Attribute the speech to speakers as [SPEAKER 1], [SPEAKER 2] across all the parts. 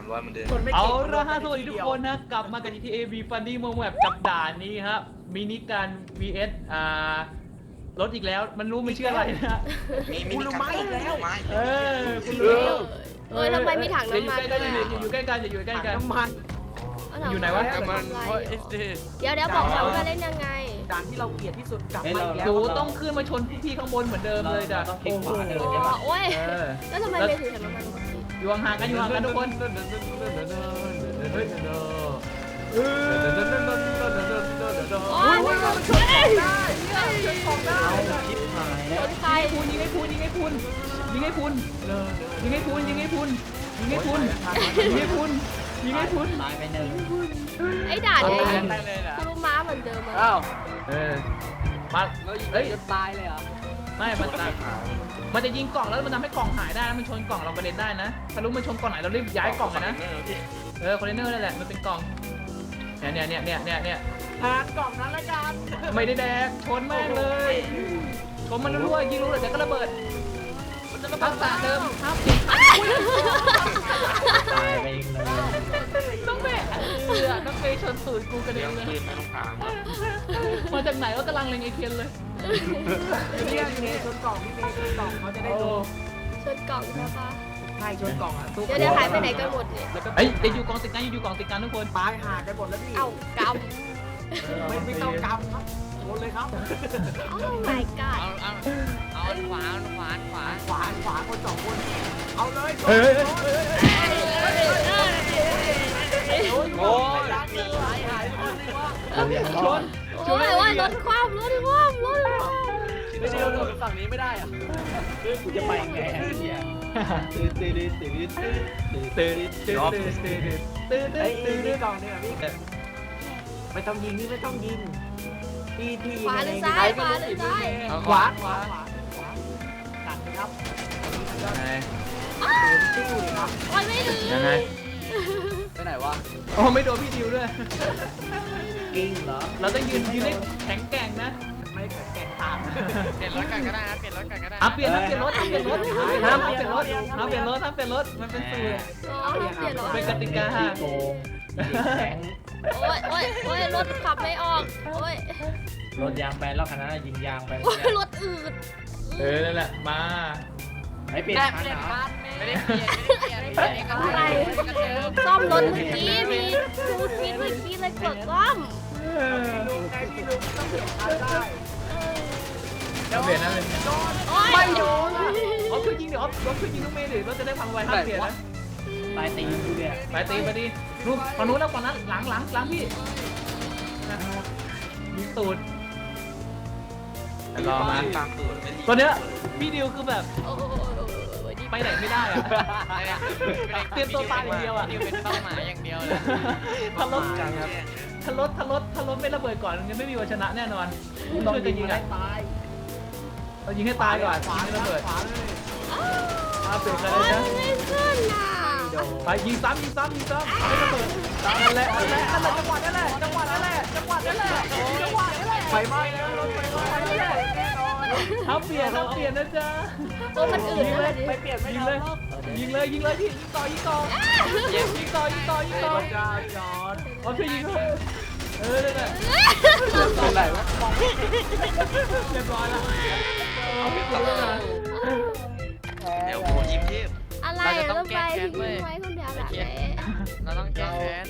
[SPEAKER 1] 300เหมือนเดิม
[SPEAKER 2] เอาละฮะสวัสดีทุกคนนะกลับมากับ GTA V Funny Moment กับด่านนี้ครับมินิการ vs รถอีกแล้วมันรู้มันชื่ออะไรนะ
[SPEAKER 1] มีไม้อีกแล้วไม้
[SPEAKER 2] คุณรู้
[SPEAKER 3] ทำไมมีถังน้ำมัน
[SPEAKER 2] อยู่ใกล้กันอยู่ใกล้กัน
[SPEAKER 4] น้ำมัน
[SPEAKER 2] อยู่ไหนวะ
[SPEAKER 3] เดี๋ยวบอกเราว่าเล่นยังไง
[SPEAKER 4] ด่านที่เราเกลียดที่สุดกลับมาอีกแล้ว
[SPEAKER 2] หนูต้องขึ้นมาชนพี่ข้างบนเหมือนเดิมเลยจ้ะ
[SPEAKER 4] โอ้โห
[SPEAKER 3] โอ้ยแล้วทำไมไม่ถือถังน้ำมัน
[SPEAKER 2] อยู่ห่างๆกันทุกคน
[SPEAKER 3] โอ้ยมันชนได้ชนใคร
[SPEAKER 2] ยิงให้คุณยิงให้คุณยิงให้คุณยิงให้คุณยิงให้คุณยิงให้คุณยิงให้คุณยิงให้คุณ
[SPEAKER 4] ตายไปหนึ่ง
[SPEAKER 3] ไอ้ด่านเนี่ยคือลูกม้าเหมือนเดิมอะ
[SPEAKER 4] อ้าว
[SPEAKER 2] มา
[SPEAKER 4] เรายิง
[SPEAKER 2] เฮ้ย
[SPEAKER 4] จนตายเลยเหรอ
[SPEAKER 2] ไม่มันจะยิงกล่องแล้วมันทำให้กล่องหายได้มันชนกล่องเรากระเด็นได้นะถ้ารู้มันชนกล่องไหนเรารีบย้ายกล่องเลยนะคอนเทนเนอร์นั่นแหละมันเป็นกล่องเนี่ย
[SPEAKER 4] หากล่องนั้นละกัน
[SPEAKER 2] ไม่ได้แดกชนแม่งเลยชนมันรั่วยิงรู้เลยแต่ก็ระเบิดทักษะเดิมครับ
[SPEAKER 4] ตายไปอีกเลย
[SPEAKER 2] ต้องแม่น้องเฟย์ชนตูดกูกระเด็
[SPEAKER 1] เลี้ย
[SPEAKER 2] น
[SPEAKER 1] ง
[SPEAKER 2] เลย
[SPEAKER 1] ปืนไม่ต้องถาม
[SPEAKER 2] มาจากไหนว่ากำลังเล็งไอเทียนเลย
[SPEAKER 4] เนี่ยเมย์ชนกล่องพี่เมย์ชนกล่องเขาจะได้ดู
[SPEAKER 3] ชนกล่องใช่ปะ
[SPEAKER 4] ใช่ชนกล่องอ่ะ
[SPEAKER 3] เดี๋ยวหายไปไหนกันหมดเนี่ย
[SPEAKER 2] เฮ้ยจะอยู่กองติดกันอยู่กองติดกันทุกคน
[SPEAKER 4] ตายหากันหมดแล้วพี่
[SPEAKER 3] เอ้ากำ
[SPEAKER 4] ไม่ต้องกำครับโอนเลยครับ
[SPEAKER 3] โอ้ my god
[SPEAKER 4] เอาขวาคนสองคนเอาเลย
[SPEAKER 2] เฮ้ย
[SPEAKER 4] โอ้ยหายคนนึงว่า
[SPEAKER 2] ชน
[SPEAKER 3] โอ้ยว่ารถคว่ำ
[SPEAKER 4] ไม่ได้โดนฝั่งนี้ไม่ได้อ่ะกูจะไปไงเนี่ยตื่น
[SPEAKER 2] ตื่น
[SPEAKER 4] ไอ้นี่กล่องเนี่ยพี่ไม่ต้องยิงนี่ไม่ต้องยิงพี่ยิง
[SPEAKER 3] ขวาหรือซ้ายขวาหรือซ้าย
[SPEAKER 4] ขวาตัดครับติ้วเลยครับ
[SPEAKER 3] โอ้ยไม่ถึง
[SPEAKER 2] ยังไง
[SPEAKER 4] ไปไหนวะ
[SPEAKER 2] โอ้ไม่โดนพี่ดิวด้วย
[SPEAKER 4] กิ้งเหรอ
[SPEAKER 2] เราต้องยืนให้แข็งแกร่งนะ
[SPEAKER 4] ไม่แก่งตาม
[SPEAKER 5] เปลี่ยนรถกันก็ได้นะเปลี่ยนรถกันก็ได้
[SPEAKER 2] เปลี่ยนรถห้ามเปลี่ยนรถมันเป็นสูตร
[SPEAKER 3] อ๋อเปลี่ยนรถ
[SPEAKER 2] เป็นกติกา
[SPEAKER 4] โกงแข็ง
[SPEAKER 3] โอ้ยรถขับไม่ออกโอ้ย
[SPEAKER 4] รถยางแบนแล้วคันนั้นยิงยางไป
[SPEAKER 3] โอ้ยรถอืด
[SPEAKER 2] นั่นแหละมา
[SPEAKER 4] ไม่เปลี่ยนคันเหรอ
[SPEAKER 5] ไม่ได้เปลี่ยนอะไรกันเดิม
[SPEAKER 3] ซ่อมรถเมื่อกี้มีทูฟีดเมื่อกี้เลยกดซ่อม
[SPEAKER 4] ลุงไงพี่ลุงต้องเปลี่ยนคันได้
[SPEAKER 2] เปลี่ยนนะเลย
[SPEAKER 3] โอ้ย
[SPEAKER 2] ไม่โดนออฟช่วยยิงเดี๋ยวออฟช่วยยิงลูกเมย์ดิเราจะได้พังไวห้ามเปลี่ยนนะ
[SPEAKER 4] ตายตีกูเนี่ย
[SPEAKER 2] ไปตีนู่นฝั่งนู้นแล้วฝั่งนั้นหลังพี่ยิงตูดรอมา
[SPEAKER 1] ตามตูด
[SPEAKER 2] ตอนเนี้ยพี่ดิวคือแบบ
[SPEAKER 3] โอ้ย
[SPEAKER 2] ไปไหนไม่ได้อะเตรียมตัวตายอย่างเดียวอะ
[SPEAKER 5] ดิวเป็นเป้าหมายอย่างเดียวเลย
[SPEAKER 2] ถ้ารถไม่ระเบิดก่อนยังไม่มีวันชนะแน่นอนช่วยกันยิงอ่ะ
[SPEAKER 4] ตาย
[SPEAKER 2] เรายิงให้ตายก่อนยิงให้ระเบิด
[SPEAKER 4] ขวาเลย
[SPEAKER 2] เปลี่ยนกัน
[SPEAKER 3] โอ้
[SPEAKER 2] เลย ยนะ
[SPEAKER 3] มันไม่ขึ้นน่ะ
[SPEAKER 2] ไปยิงซ้ำให้ระเบิดนั่นแหละจังหวะนั่นแหละ
[SPEAKER 4] ไฟไหม้แล้วรถไฟไหม้แล้ว
[SPEAKER 2] เปลี่ยนนะจ๊ะ
[SPEAKER 3] โอ้มันอืดเลยดิ
[SPEAKER 4] ไปเปลี่ยนไม่
[SPEAKER 2] ยิง
[SPEAKER 4] ได้
[SPEAKER 2] เลยยิงเลยยิงต่อยิงต่อ
[SPEAKER 4] จอด
[SPEAKER 2] เอาช่วยยิงเลยนั่นแหละ
[SPEAKER 4] เป็นไรวะ
[SPEAKER 2] เรียบร้อยแล้ว
[SPEAKER 1] เดี๋ยวผมยิ้มเทพ
[SPEAKER 3] อะไรรถไฟทิ้งไว้คนเดียวแบบไหน
[SPEAKER 5] เราต้องแก้แค้น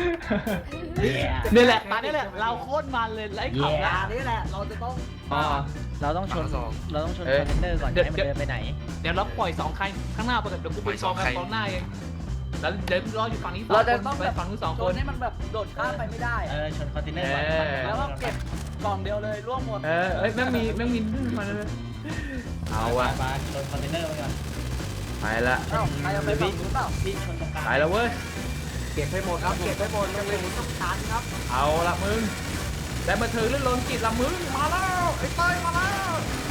[SPEAKER 2] นี่แหละตอนนี้แหละเราโคตรมันเลยไล่ขับ
[SPEAKER 4] ยานี่แหละเราจะต้อง
[SPEAKER 6] เราต้องชนคอนเทนเนอร์ก่อนให้มันเดินไปไหน
[SPEAKER 2] เดี๋ยวเราปล่อย2 คันข้างหน้าไปก่อนเดี๋ยวกูไปกองหน้าเองแล้วเดี๋ยวรออยู่ฝั่งนี้ไปฝั่งนู้น2
[SPEAKER 4] โด
[SPEAKER 2] คน น
[SPEAKER 4] ให้มันแบบโดดข้ามไปไม่ได้
[SPEAKER 6] ชนคอนเทนเนอร์ก่อน
[SPEAKER 4] แล้วก็เก็บกล่องเดียวเลยร่วงหมด
[SPEAKER 2] แม่งมีมาเลยเอาว่ะ
[SPEAKER 6] มาชนคอนเทนเนอร์ก่อน
[SPEAKER 2] ไปละ
[SPEAKER 4] เอ้าใครเอาไปฝั่งนู้นเปล่า
[SPEAKER 6] พี่ชนตรงกลาง
[SPEAKER 2] ไปแล้วเว้ย
[SPEAKER 4] เก็บให้หมดครับเก็บให้หมดยังเลยต้องทานครับ
[SPEAKER 2] เอาละมึงแต่มาถึงลื่นลมกิจละมึงมาแล้วไอ้เต้ยมาแล้ว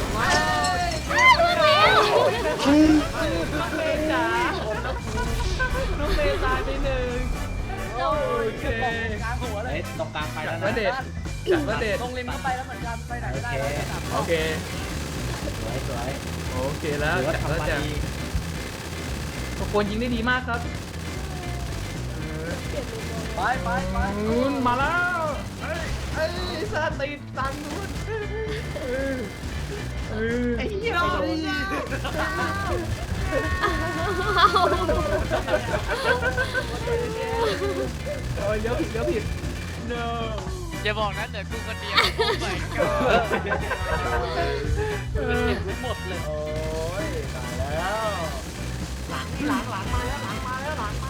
[SPEAKER 2] น้องเมย์จ๋าน้องเมย์ตายไป1โอเค
[SPEAKER 4] กลางหัวเลย
[SPEAKER 6] ตรงกลางไปแล้ว
[SPEAKER 2] มา
[SPEAKER 6] นะ
[SPEAKER 2] เด็ดจัดมาเด็ด
[SPEAKER 4] ลงริมเข้าไปแล้วเหมือนกันไปไหนไม่ได้
[SPEAKER 2] โอเค
[SPEAKER 6] สวย
[SPEAKER 2] โอเคแล้ว
[SPEAKER 6] ถือว่า
[SPEAKER 2] จัดแล้ว
[SPEAKER 6] ทำมา
[SPEAKER 2] จ้ะ
[SPEAKER 6] ดี
[SPEAKER 2] ทุกคนยิงได้ดีมากครับ
[SPEAKER 4] ไปไปไป
[SPEAKER 2] นู้นมาแล้วเอ้ยซาติดตังนู้นไอ้เหี้ยโอ้ยเลี้ยวผิด
[SPEAKER 5] no อย่าบอกนะเดี๋ยวกูคนเดียวโอ้ my
[SPEAKER 4] หมดเลยโอ้ยตายแล้วหลังมาแล้วหลังมา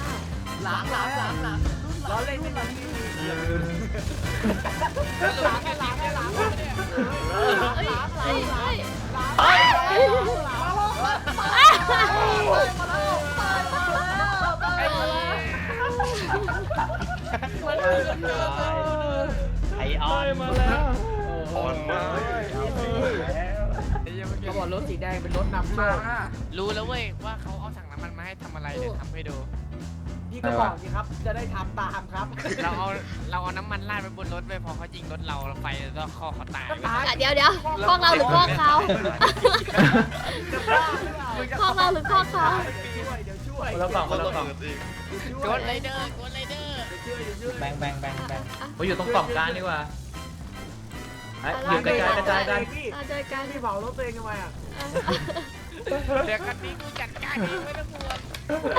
[SPEAKER 4] ล้อเล่นไม่มาที่หลังไอออนมาแล้ว
[SPEAKER 1] อ่อนมาก
[SPEAKER 4] เขาบอกรถสีแดงเป็นรถนำโชค
[SPEAKER 5] รู้แล้วเว้ยว่าเขาเอาถังน้ำมันมาให้ทำอะไรเดี๋ยวทำให้ดู
[SPEAKER 4] พี่ก็บอกสิครับจะได้ทำตามครับ
[SPEAKER 5] เราเอาน้ำมันราดไปบนรถไปพอเขายิงรถเราไฟแล้วคอเขาตาย
[SPEAKER 3] เดี๋ยวกล้องเราหรือกล้องเขากล้องเราหรือกล้องเขา
[SPEAKER 4] เดี๋ยวช่วย
[SPEAKER 2] คนละฝั่งคนละฝั่ง
[SPEAKER 5] กดไรเดอร์
[SPEAKER 6] แบง
[SPEAKER 2] ไปอยู่ตรงกล่องกลางดีกว่าอยู่กระจายกัน
[SPEAKER 4] พี่
[SPEAKER 3] เจอกัน
[SPEAKER 4] พี่เผารถตัวเองทำไมอ่ะ
[SPEAKER 5] เดี๋ยวกันนี้กูจัดการเองไม่ต้องห่วง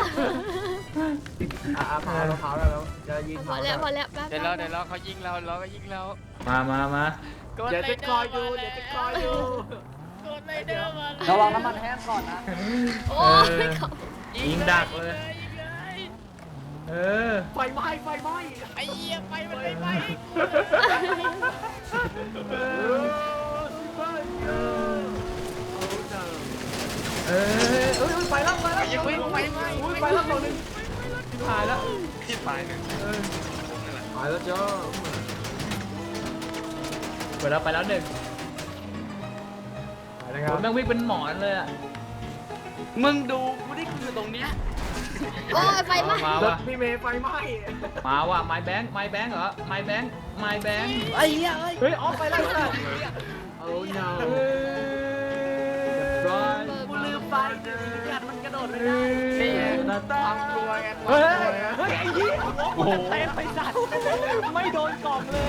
[SPEAKER 4] เผาแล้วจะยิง
[SPEAKER 3] พอแล้วแป๊บ
[SPEAKER 5] เดี๋ยวเราเขายิงเราก็ยิงเรา
[SPEAKER 2] มา
[SPEAKER 4] เดี๋ยวจะคอยดู
[SPEAKER 5] กดไรเดอร์มา
[SPEAKER 6] ระวังน้ำมันแห้งก่อนนะ
[SPEAKER 3] โอ้ย
[SPEAKER 2] ยิงดักเลย
[SPEAKER 4] ไฟไหม้
[SPEAKER 5] ไอ้เหี้ยไฟมันไม่ไหม้
[SPEAKER 4] ไปแล้ว
[SPEAKER 5] ยังไม่ไฟไหม้
[SPEAKER 4] ไปแล้วตัวนึง
[SPEAKER 2] ถ่ายแล้ว
[SPEAKER 1] ที่ปลายหนึ่งนี่แหละ
[SPEAKER 4] ไปแล้วจ้า
[SPEAKER 2] ไปแล้วหนึ่งผมแม่งวิ่งเป็นหมอนเลยอ่ะ
[SPEAKER 4] มึงดูกูได้คือตรงเนี้ย
[SPEAKER 3] โอ้ยไฟไหม้
[SPEAKER 2] มาร ว่ะ
[SPEAKER 4] ถพี่เมย์ไฟไหม้
[SPEAKER 2] มาว่ะไม้แบงค์เหรอไม้แบงค์
[SPEAKER 6] ไอ้เหี้ย
[SPEAKER 2] เฮ้ยออกไปแล้วจ้ะ
[SPEAKER 4] โอ้ no กูลืมไปกัดมันกระโดดไม่ได้ความกลัวไง
[SPEAKER 2] เฮ้ยไอ้ยี่
[SPEAKER 6] โอ้โห
[SPEAKER 2] เตะไปสัตว์ไม่โดนกล่องเลย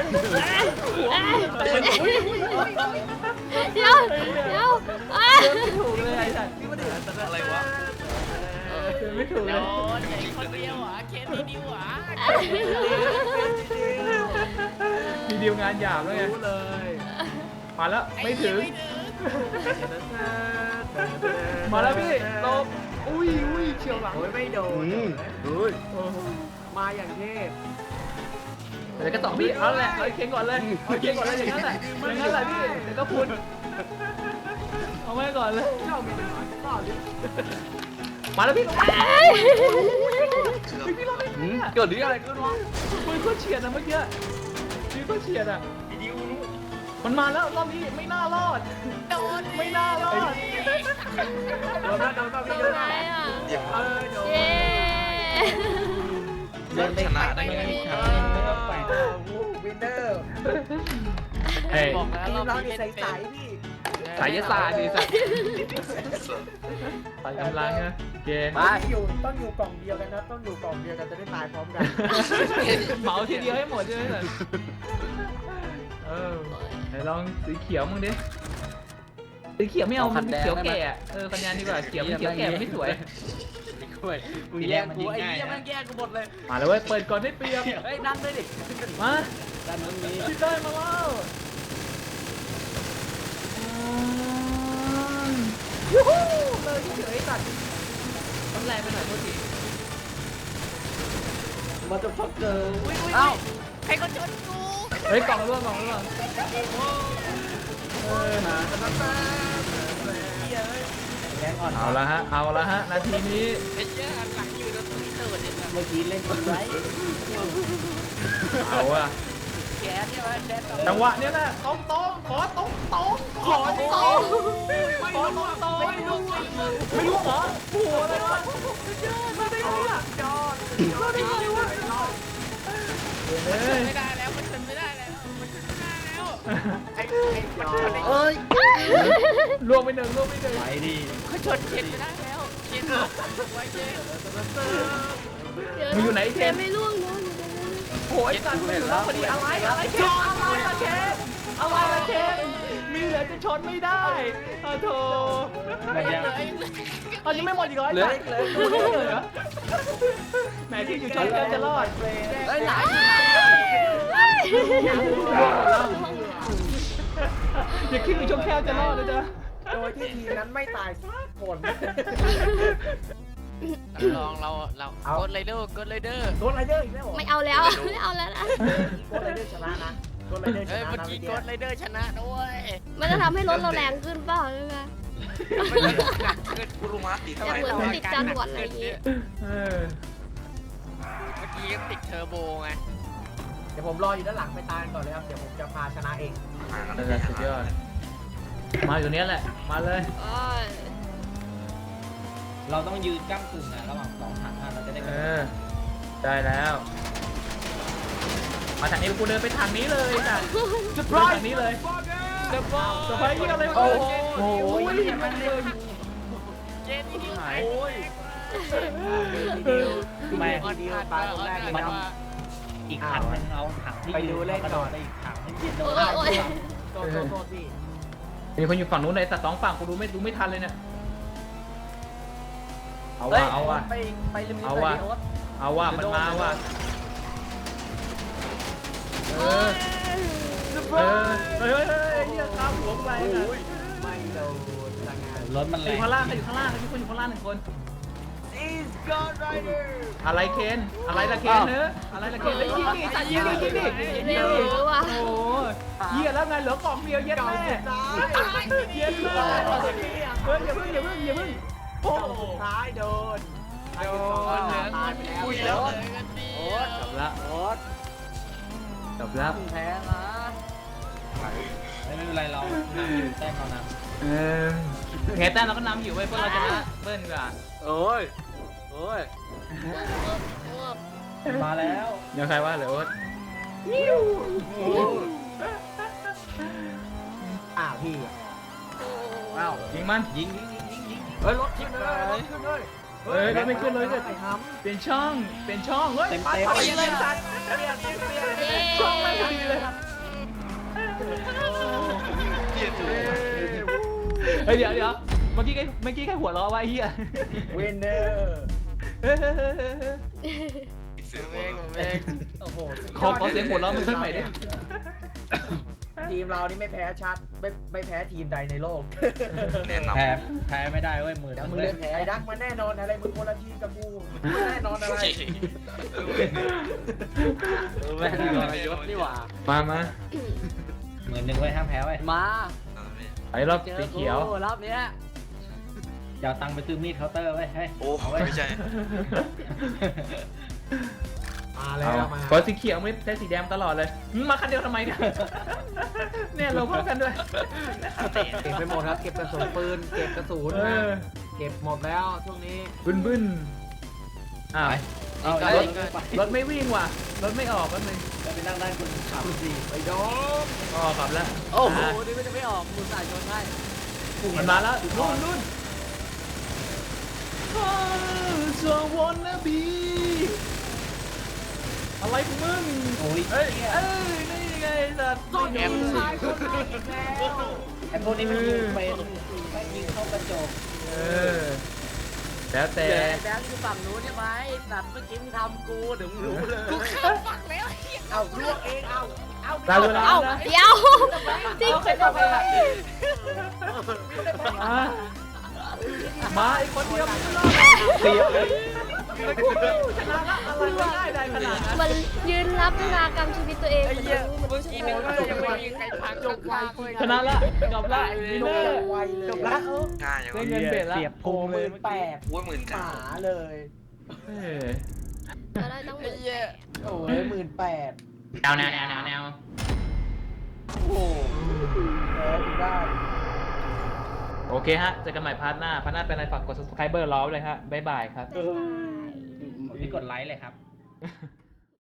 [SPEAKER 3] เดี๋ยว
[SPEAKER 2] ถูกเลยไอ้สัตว์
[SPEAKER 1] อะไรวะ
[SPEAKER 2] ไม่ถูกเลย
[SPEAKER 5] โดนไอ้คนเดียวเคสนี้ดีหวะ
[SPEAKER 2] มีดีลงานหยาบแล้วไง
[SPEAKER 4] รู้เลย
[SPEAKER 2] มาแล้วไม่ถึงมาแล้วพี่ลบอุ้ยเฉียวหลัง
[SPEAKER 4] โอ้ยไม่โดนมาอย่างเทพ
[SPEAKER 2] เดี๋ยวก็ต่อพี่เอาแหละเอาเค้งก่อนเลยอย่างนั้นแหละพี่เดี๋ยวก็พุนเอาไว้ก่อนเลย
[SPEAKER 4] เจ้ามีปัญหาต่อดิ
[SPEAKER 2] มาแล้วพี่ลง
[SPEAKER 1] เชื่อม
[SPEAKER 2] พี่ลงเกิดหรืออะไรขึ้นวะปืนก็เฉียดนะเมื่อกี้ปืนก็เฉียดอ่ะมันมาแล้วรอบนี้ไม่น่ารอดไม่น่ารอด
[SPEAKER 4] โดนพี่โดน
[SPEAKER 3] อะไรอ่ะ
[SPEAKER 1] เดี๋ยว
[SPEAKER 4] โดน
[SPEAKER 3] เย้
[SPEAKER 1] เริ่มชนะได้ไง
[SPEAKER 6] ไม่ต้องไป
[SPEAKER 4] วินเนอร์
[SPEAKER 2] เฮ้ย
[SPEAKER 5] บอกแล้ว
[SPEAKER 4] ทีม
[SPEAKER 5] เรา
[SPEAKER 4] เรา
[SPEAKER 5] มี
[SPEAKER 4] เนี่ย
[SPEAKER 5] เล่น
[SPEAKER 4] ใสๆพี่
[SPEAKER 2] สายยศาสตร์ดิสัตว์ไปกำลังนะเกม
[SPEAKER 4] ต้องอยู่กล่องเดียวกันนะต้องอยู่กล่องเดียวกันจะได้ตายพร้อมกัน
[SPEAKER 2] เหมาทีเดียวให้หมดใช่ไหมสัตว์ไหนลองสีเขียวมึงดิสีเขียวไม่เอามันเขียวแก่คะแนนดีกว่าเขียวมันเขียวแก่ไม่สวย
[SPEAKER 6] มึงแย่งกูไอ้เหี้ยแม่งแย่งกูหมดเลย
[SPEAKER 2] มาเลยเว้ยเปิดก่อนให้เปรียบ
[SPEAKER 4] เฮ้ยนั่งด้วยดิ
[SPEAKER 2] มา
[SPEAKER 6] ด้านนู้นมี
[SPEAKER 2] พี่เต้ยมาแล้วยูฮูเลยเฉยๆตัดต้องแรงไปหน่อยโทษที
[SPEAKER 4] มาจะพักเจอ
[SPEAKER 5] เอ้าใครก็ชนกู
[SPEAKER 2] เฮ้ยกล่องร่วง
[SPEAKER 6] แย่งอ่อน
[SPEAKER 2] เอาละฮะนาทีนี้
[SPEAKER 5] ไอ้เจ้าหลังอยู่แล้วตีตื่นเนี่ย
[SPEAKER 6] เมื่อกี้เล่นคนไว้
[SPEAKER 2] เอาอะ
[SPEAKER 5] แกเนี่ยมันแดนต่อ
[SPEAKER 2] จังหวะเนี้ยนะขอตรงไม่รู้เหรอโอ้โหอะไรวะมาได้ไงอ่ะมาได้ไงวะ
[SPEAKER 5] ไม่ได้แล้วมันชนไม่ได้แล้ว
[SPEAKER 6] เอ้ย
[SPEAKER 2] รวมไปหนึ่ง
[SPEAKER 6] ไปดิ
[SPEAKER 5] เขาชนเคนไม่ได้แล้วเคนไว้เคน
[SPEAKER 2] มึงอยู่ไหนเคน
[SPEAKER 3] ไม่ล่วงเนาะ
[SPEAKER 2] โอ้ยสัตว์ไม่รู้พอดีอะไรเคนอะไรละเคนอะไรละเคนมีเหลือจะชนไม่ได้โอ้โถ
[SPEAKER 6] มันยัง
[SPEAKER 2] ตอนนี้ไม่หมดอีกเหรอ
[SPEAKER 4] เหลืออีกเลย
[SPEAKER 2] เหรอแหมที่อยู่ชนเกินจะรอด
[SPEAKER 4] เฮ้ยหลาย
[SPEAKER 2] อย่าคิดอยู่ชนแค่จะรอดนะจ๊ะ
[SPEAKER 4] โดยที่ทีมนั้นไม่ตายสักคน
[SPEAKER 5] ลองเรา
[SPEAKER 4] เอา
[SPEAKER 5] กดไรเดอร์กดไรเดอร์
[SPEAKER 4] โดนไรเดอร์อีกแล้วเหรอ
[SPEAKER 3] ไม่เอาแล้วไม่เอาแล้วนะ
[SPEAKER 4] โดนไรเดอร์ชนะนะโดนไรเดอร์ช
[SPEAKER 5] เฮ้ย
[SPEAKER 4] นะ
[SPEAKER 5] เมื่อ
[SPEAKER 4] นะ
[SPEAKER 5] กี้
[SPEAKER 4] พี่
[SPEAKER 5] ก
[SPEAKER 4] เดีย
[SPEAKER 5] ดไรเดอร์ชนะด้วย
[SPEAKER 3] มันจะทำให้รถเราแรงขึ้นเปล่าใช่ไหม
[SPEAKER 5] มันเหลือหนักขึ้น
[SPEAKER 1] กูรู้มาตีเท่า
[SPEAKER 3] อ
[SPEAKER 1] ไห
[SPEAKER 3] ย่า
[SPEAKER 1] ร่
[SPEAKER 3] เหมือนติดจรวดอะไรอย่างงี้
[SPEAKER 2] เออ
[SPEAKER 5] เมื่อกี้ติดเทอร์โบไง
[SPEAKER 4] เดี๋ยวผมรออยู่ด้านหลังไปตายก่อนเลยครับเดี๋ยวผมจะพาชนะเอง
[SPEAKER 1] ห่างกัน
[SPEAKER 2] นั่นแหละสุดยอดมาอยู่เนี้ยแหละมาเลย
[SPEAKER 3] โอ้ย
[SPEAKER 6] เราต้องยืนก้ำกึ่งอะระหว่างสองถังอะเราจะได้
[SPEAKER 2] เออได้แล้ว มาทางนี้กูเดินไปทางนี้เลยจ้ะจะไปทางนี้เลยจะไปยี่อะไรโอ้โหมันเลย
[SPEAKER 5] เจนนี่
[SPEAKER 2] หาย
[SPEAKER 6] ไม่
[SPEAKER 4] ทีเดียวตายคนแรกเลยนะ
[SPEAKER 6] อีกถังนึงเอาถังที่
[SPEAKER 4] ไปดูเลขก่อน
[SPEAKER 6] ไปอีกถังนึงเย็นโด
[SPEAKER 3] โอ้
[SPEAKER 6] น
[SPEAKER 3] ยโอ้ย
[SPEAKER 4] โทษพี่
[SPEAKER 2] มีคนอยู่ฝั่งนู้นเลยแต่สองฝั่งกูดูไม่ทันเลยเนี่ยเอา
[SPEAKER 4] ฮ้
[SPEAKER 2] ว่ะ
[SPEAKER 4] ย
[SPEAKER 2] เอาว่ะ
[SPEAKER 4] ไปลืม
[SPEAKER 2] เอาว่ะ เอาว่ะมันมาว่ะเออเฮ้ยเนี่ยข้ามหัวไปนะ
[SPEAKER 4] ไม่โดนละงาน
[SPEAKER 6] รถมัน
[SPEAKER 2] อ
[SPEAKER 6] แรง
[SPEAKER 2] ยู่ข้างล่างอยู่ข้างล่างมีคนอยู่ข้างล่างหนึ่งคน
[SPEAKER 4] Is God Rider
[SPEAKER 2] อะไรเคนอะไรละเคนเนอะอะไรละเคนเลยยิงดิตัดยิงดิยิงดิยิงดิ
[SPEAKER 3] เร็วว่ะ
[SPEAKER 2] โอ้เหี้ยแล้วไงเหลือกล่องเดียวเย็ดแม่เย็ดแม่เฮ้ยอย่าเพิ่งโอ้
[SPEAKER 4] สุดท้ายโดนตายไปแล้ว
[SPEAKER 5] คุยแล้วเลยกันดิ
[SPEAKER 2] จบละ
[SPEAKER 4] โอ๊ต
[SPEAKER 2] จบละ
[SPEAKER 4] แพ้ละ
[SPEAKER 6] ไม่เป็นไรเรานำอยู่แต้มเราน
[SPEAKER 2] เออแพ้แต้มเราก็นำอยู่ไว้พวกเราชนะเบิ้ลกว่า
[SPEAKER 4] โอ้ย
[SPEAKER 6] ำมาแล้ว
[SPEAKER 2] เดี๋ยวใครว่าเหลือโอ๊ต
[SPEAKER 4] พี่
[SPEAKER 2] อ้าวยิงมัน
[SPEAKER 6] ยิง
[SPEAKER 4] เฮ้ยรถขึ้นเลยรถขึ้นเลย
[SPEAKER 2] เฮ้ยเราไม่ขึ้นเลยเนี่ย
[SPEAKER 4] ไอ้ท
[SPEAKER 2] เปลี่ยนช่องเฮ้ย
[SPEAKER 6] เต็ม
[SPEAKER 2] ไปเลยสัตว์
[SPEAKER 3] เย้
[SPEAKER 2] ช่องไม่พอดีเลยเฮ้ยเดี๋ยวเมื่อกี้แค่หัวเราะไว้เฮีย
[SPEAKER 4] ำวินเนอร์
[SPEAKER 5] ผมเอง
[SPEAKER 4] โอ้โห
[SPEAKER 2] ขอเสียงหัวเราะมันสักหน่อยดิ
[SPEAKER 4] ทีมเรานี่ไม่แพ้ชัดไม่แพ้ทีมใดในโลก
[SPEAKER 1] แน่นอน
[SPEAKER 6] แพ้ไม่ได้เว้ยมือ
[SPEAKER 4] เดี๋ยวมึงเล่นแพ้ไอ้ดักมันแน่นอนอะไรมึงคนละทีมกับกูแน่นอนอะไร
[SPEAKER 6] แม่ยศนี่หว่า
[SPEAKER 2] มา
[SPEAKER 6] มือหนึ่งไว้ห้ามแพ้ไว้
[SPEAKER 4] มา
[SPEAKER 2] ไอ้รอบสีเขียว
[SPEAKER 4] รอบเนี้ย
[SPEAKER 6] อย่าเอาตังค์ไปซื้อมีดเคาน์เตอร์ไว้ให้
[SPEAKER 1] โอ้ไม่ใช่
[SPEAKER 4] มาแล้วมา
[SPEAKER 2] พอสีเขียวไม่ใช้สีแดงตลอดเลยมาคันเดียวทำไมเนี่ยเนี่ยเราพร้อมกันด้วย
[SPEAKER 4] เก็บไปหมดครับเก็บกระสุนปืนเก็บกระสุน
[SPEAKER 2] เออ
[SPEAKER 4] เก็บหมดแล้วช่วงนี้
[SPEAKER 2] บึ้นอ้าว
[SPEAKER 6] เอา
[SPEAKER 2] รถไม่วิ่งว่ะรถไม่ออกก็เลย
[SPEAKER 6] ไปนั่งด้านคุณขับ
[SPEAKER 4] ไปโดม
[SPEAKER 2] ออกขับแล้ว
[SPEAKER 4] โอ้โหนี่มันจะไม่ออกคุณสายชนให้
[SPEAKER 2] มันมาแล้วรุ่นสววนนะบีอะไรของมึง
[SPEAKER 6] โอ้ย
[SPEAKER 2] เอ้ยนี่ไงสัตว์
[SPEAKER 4] แอมชายคนแรกอีกแล้ว
[SPEAKER 6] ไอ้พวกนี้มันยิงเป็นไม่ยิงเข้ากระจก
[SPEAKER 2] เออแล้วแต่
[SPEAKER 4] แบงค์อยู่ฝั่งนู้นใช่ไหมสัตว์เมื่อกี้มึงทำกูเดี๋ยวมึงรู้เลย
[SPEAKER 5] ฟังแล้ว
[SPEAKER 4] เอาลวกเองเอา
[SPEAKER 2] เราเวลา
[SPEAKER 3] เอ้า
[SPEAKER 2] นะ
[SPEAKER 3] เดี๋ยวจริง
[SPEAKER 2] ใครทำอะไรมาอีกคนเดียวไม่รอดเสียเลยชนะละอะไรได้ขนาดนั้น
[SPEAKER 3] มันยืนรับเวลากรรมชีวิตตัวเอง
[SPEAKER 5] ไอ้
[SPEAKER 3] มัน
[SPEAKER 5] เหี้ย
[SPEAKER 3] รู้มัน
[SPEAKER 5] เมื่อ
[SPEAKER 3] รู้
[SPEAKER 5] กี้
[SPEAKER 3] ใช่
[SPEAKER 5] นึก
[SPEAKER 3] ไหม
[SPEAKER 5] ว่ายังไม่มีใครพังจบไว
[SPEAKER 2] ชนะละจบละวินเนอร์
[SPEAKER 4] ไวเลย
[SPEAKER 2] จบละ
[SPEAKER 1] ง่ายอย่าง
[SPEAKER 2] ได้
[SPEAKER 1] วะ
[SPEAKER 2] เงินเบ็ดละ
[SPEAKER 6] เสียบพุงเลย
[SPEAKER 4] แปด
[SPEAKER 1] โอ้ยหมื่น
[SPEAKER 4] ห
[SPEAKER 1] เก้า
[SPEAKER 4] มาเลย
[SPEAKER 3] เราได้ต้องห
[SPEAKER 5] ไอ้
[SPEAKER 3] มื่น
[SPEAKER 5] เหี้ย
[SPEAKER 4] โอ้ย18,000
[SPEAKER 2] แนว
[SPEAKER 4] โอ้โหแพ้ถึงได้
[SPEAKER 2] โอเคฮะเจอกันใหม่พาร์ทหน้าเป็นอะไรฝากกด subscriber รอไว้เลยฮะบ๊ายบายครับ
[SPEAKER 3] บ๊ายบาย
[SPEAKER 6] พี่กดไลค์เลยครับ